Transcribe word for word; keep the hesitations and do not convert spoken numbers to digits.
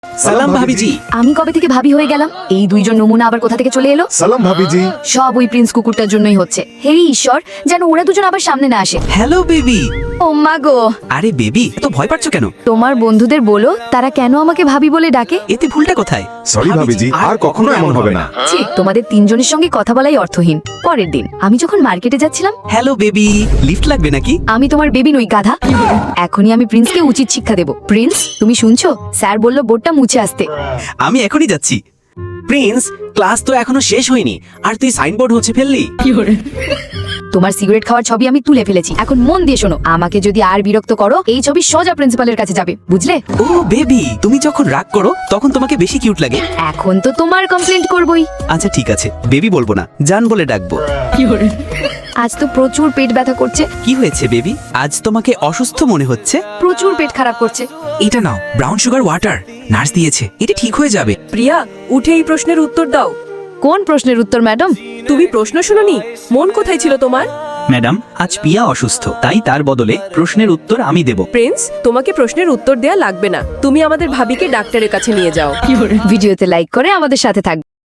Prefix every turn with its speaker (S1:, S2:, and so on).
S1: সালাম ভাবিজি।
S2: আমি কবে থেকে ভাবি হয়ে গেলাম? এই দুইজন নমুনা আবার কোথা থেকে চলে এলো?
S3: সালাম ভাবিজি।
S2: সব ওই প্রিন্স কুকুরটার জন্যই হচ্ছে। হে ঈশ্বর, যেন ওরা দুজন আবার সামনে না আসে।
S1: Hello baby.
S2: ও মা গো,
S1: আরে বেবি, তো ভয় পাচ্ছ কেন?
S2: তোমার বন্ধুদের বলো তারা কেন আমাকে ভাবি বলে ডাকে।
S1: এতে ভুলটা কোথায়?
S3: সরি ভাবিজি, আর কখনো এমন হবে না।
S2: ছি, তোমাদের তিনজনের সঙ্গে কথা বলাই অর্থহীন। পরের দিন আমি যখন মার্কেটে যাচ্ছিলাম,
S1: হ্যালো বেবি, লিফট লাগবে নাকি?
S2: আমি তোমার বেবি নই গাধা। এখনই আমি প্রিন্সকে উচিত শিক্ষা দেব। প্রিন্স, তুমি শুনছো? স্যার বললো বোর্ডটা মুছে আসতে।
S1: আমি এখনই যাচ্ছি। প্রিন্স, ক্লাস তো এখনো শেষ হয়নি আর তুই সাইনবোর্ড হচ্ছে ফেললি।
S2: তোমার সিগারেট খাওয়ার ছবি আমি তুলে ফেলেছি। এখন মন দিয়ে শোনো, আমাকে যদি আর বিরক্ত করো, এই ছবি সোজা প্রিন্সিপালের কাছে যাবে, বুঝলে?
S1: ও বেবি, তুমি যখন রাগ করো তখন তোমাকে বেশি কিউট লাগে।
S2: এখন তো তোমার কমপ্লেন্ট করবই।
S1: আচ্ছা ঠিক আছে, বেবি বলবো না, জান বলে ডাকবো।
S2: আজ তো প্রচুর পেট ব্যথা করছে।
S1: কি হয়েছে বেবি? আজ তোমাকে অসুস্থ মনে হচ্ছে।
S2: প্রচুর পেট খারাপ করছে।
S1: এটা নাও, ব্রাউন সুগার ওয়াটার, নার্স দিয়েছে, এটা ঠিক হয়ে যাবে।
S4: প্রিয়া, উঠে এই প্রশ্নের উত্তর দাও।
S2: কোন প্রশ্নের উত্তর ম্যাডাম?
S4: তুমি প্রশ্ন শুনোনি? মন কোথায় ছিল তোমার?
S1: ম্যাডাম, আজ পিয়া অসুস্থ, তাই তার বদলে প্রশ্নের উত্তর আমি দেব।
S4: প্রিন্স, তোমাকে প্রশ্নের উত্তর দেয়া লাগবে না। তুমি আমাদের ভাবিকে ডাক্তারের কাছে নিয়ে যাও।
S2: ভিডিওতে লাইক করে আমাদের সাথে থাকবে।